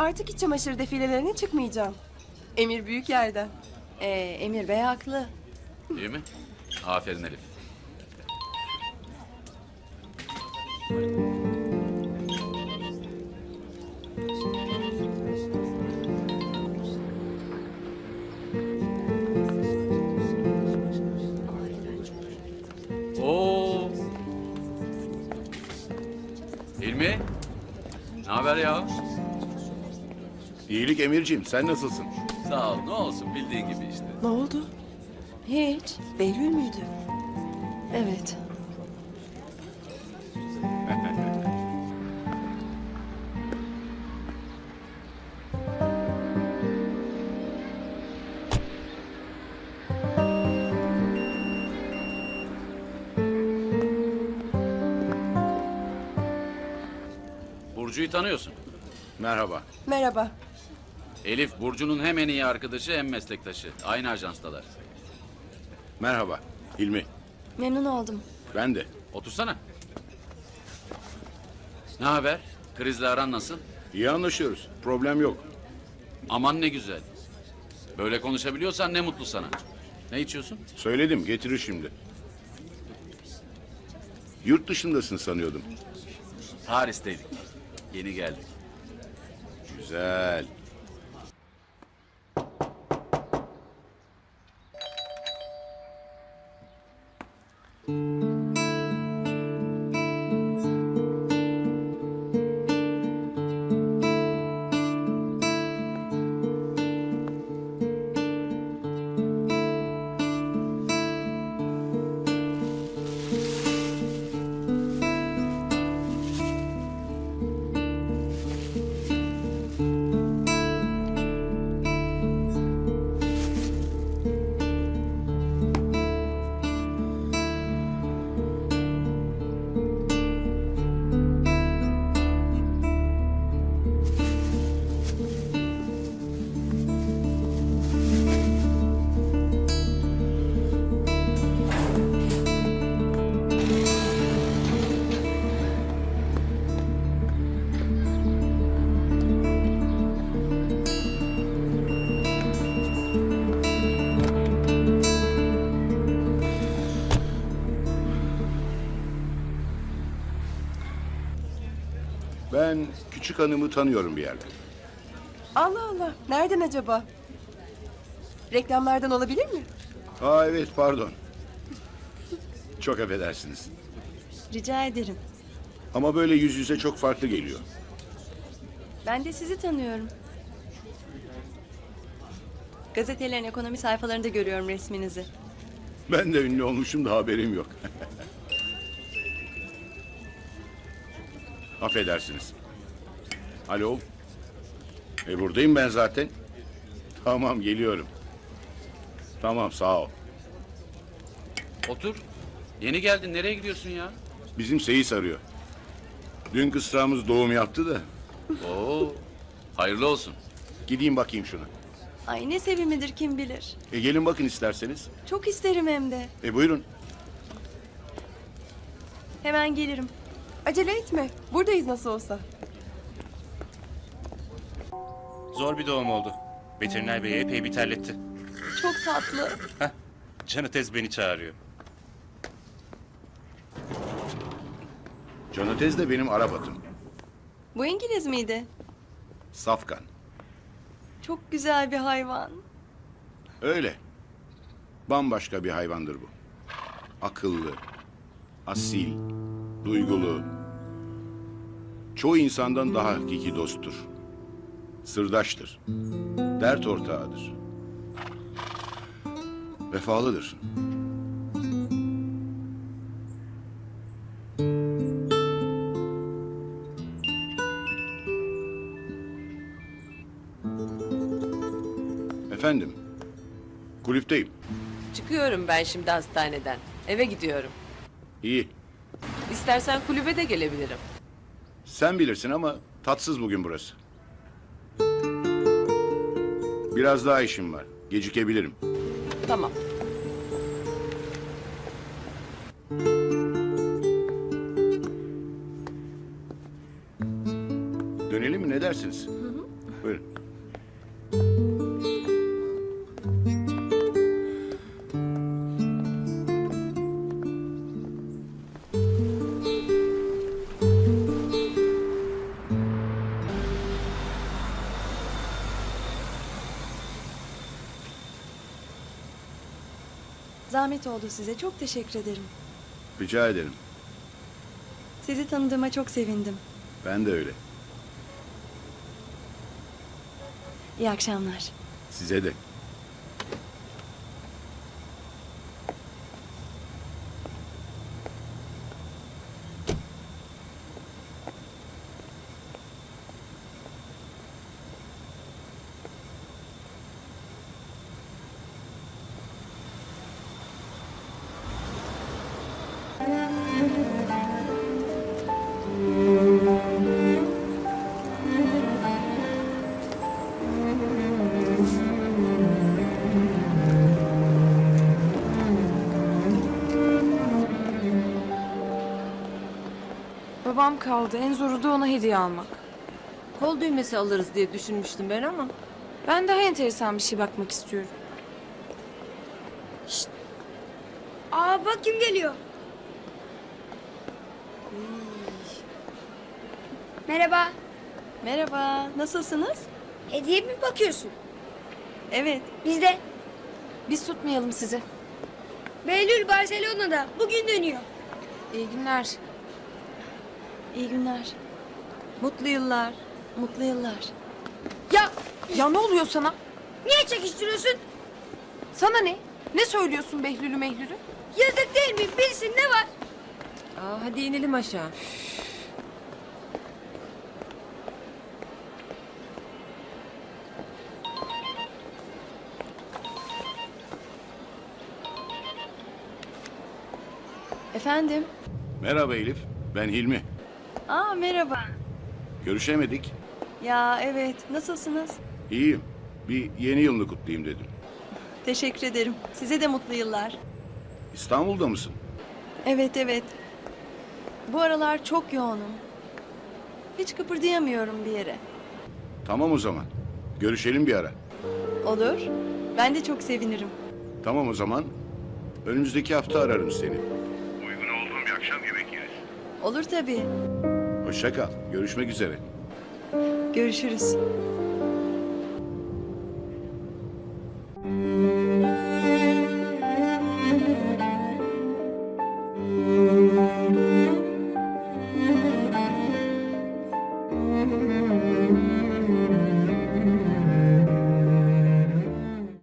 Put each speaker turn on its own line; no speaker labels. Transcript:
Artık iç çamaşır defilelerine çıkmayacağım. Emir büyük yerden.
Emir Bey haklı.
İyi mi? Aferin Elif. Oo. Hilmi. Ne haber ya?
İyilik Emirciğim, sen nasılsın?
Sağ ol. Ne olsun bildiğin gibi işte.
Ne oldu?
Hiç.
Behlül müydü?
Evet.
Burcu'yu tanıyorsun.
Merhaba.
Merhaba.
Elif Burcu'nun hem en iyi arkadaşı hem meslektaşı. Aynı ajanstalar.
Merhaba. Hilmi.
Memnun oldum.
Ben de.
Otursana. Ne haber? Krizle aran nasıl?
İyi anlaşıyoruz. Problem yok.
Aman ne güzel. Böyle konuşabiliyorsan ne mutlu sana. Ne içiyorsun?
Söyledim, getirir şimdi. Yurt dışındasın sanıyordum.
Paris'teydik. Yeni geldik.
Güzel. Ben küçük hanımı tanıyorum bir yerden.
Allah Allah. Nereden acaba? Reklamlardan olabilir mi?
Aa evet, pardon. Çok affedersiniz.
Rica ederim.
Ama böyle yüz yüze çok farklı geliyor.
Ben de sizi tanıyorum. Gazetelerin ekonomi sayfalarında görüyorum resminizi.
Ben de ünlü olmuşum da haberim yok. Affedersiniz. Alo. Buradayım ben zaten. Tamam, geliyorum. Tamam, sağ ol.
Otur. Yeni geldin. Nereye gidiyorsun ya?
Bizim Seyis arıyor. Dün kısrağımız doğum yaptı da.
Oo. Hayırlı olsun.
Gideyim bakayım şuna.
Ay ne sevimlidir kim bilir.
Gelin bakın isterseniz.
Çok isterim hem de.
Buyurun.
Hemen gelirim.
Acele etme. Buradayız nasıl olsa.
Zor bir doğum oldu. Veteriner bey epey bir terletti.
Çok tatlı.
Canı tez beni çağırıyor.
Canatez de benim Arap
Bu İngiliz miydi?
Safkan.
Çok güzel bir hayvan.
Öyle. Bambaşka bir hayvandır bu. Akıllı, asil, duygulu. Çoğu insandan daha hakiki dosttur. Sırdaştır. Dert ortağıdır. Vefalıdır. Efendim, kulüpteyim.
Çıkıyorum ben şimdi hastaneden. Eve gidiyorum.
İyi.
İstersen kulübe de gelebilirim.
Sen bilirsin ama tatsız bugün burası. Biraz daha işim var. Gecikebilirim.
Tamam.
Dönelim mi, ne dersiniz? Buyurun.
Zahmet oldu size. Çok teşekkür ederim.
Rica ederim.
Sizi tanıdığıma çok sevindim.
Ben de öyle.
İyi akşamlar.
Size de.
Babam kaldı. En zoru da ona hediye almak.
Kol düğmesi alırız diye düşünmüştüm ben ama.
Ben daha enteresan bir şey bakmak istiyorum.
Aa bak kim geliyor. Merhaba.
Merhaba. Nasılsınız?
Hediye mi bakıyorsun?
Evet.
Biz de.
Biz tutmayalım sizi.
Behlül Barcelona'da. Bugün dönüyor.
İyi günler.
İyi günler. Mutlu yıllar. Mutlu yıllar.
Ya
Ya ne oluyor sana?
niye çekiştiriyorsun?
Sana ne? Ne söylüyorsun Behlül'ü Mehlül'ü?
Yazık değil mi? Bilsin ne var?
Aa, hadi inelim aşağı.
Efendim?
Merhaba Elif. Ben Hilmi.
Aa merhaba.
Görüşemedik.
Ya evet. Nasılsınız?
İyiyim. Bir yeni yılını kutlayayım dedim.
Teşekkür ederim. Size de mutlu yıllar.
İstanbul'da mısın?
Evet evet. Bu aralar çok yoğunum. Hiç kıpırdayamıyorum bir yere.
Tamam o zaman. Görüşelim bir ara.
Olur. Ben de çok sevinirim.
Tamam o zaman. Önümüzdeki hafta ararım seni. Uygun olduğum bir akşam yemek yeriz.
Olur tabii.
Hoşça kal. Görüşmek üzere.
Görüşürüz.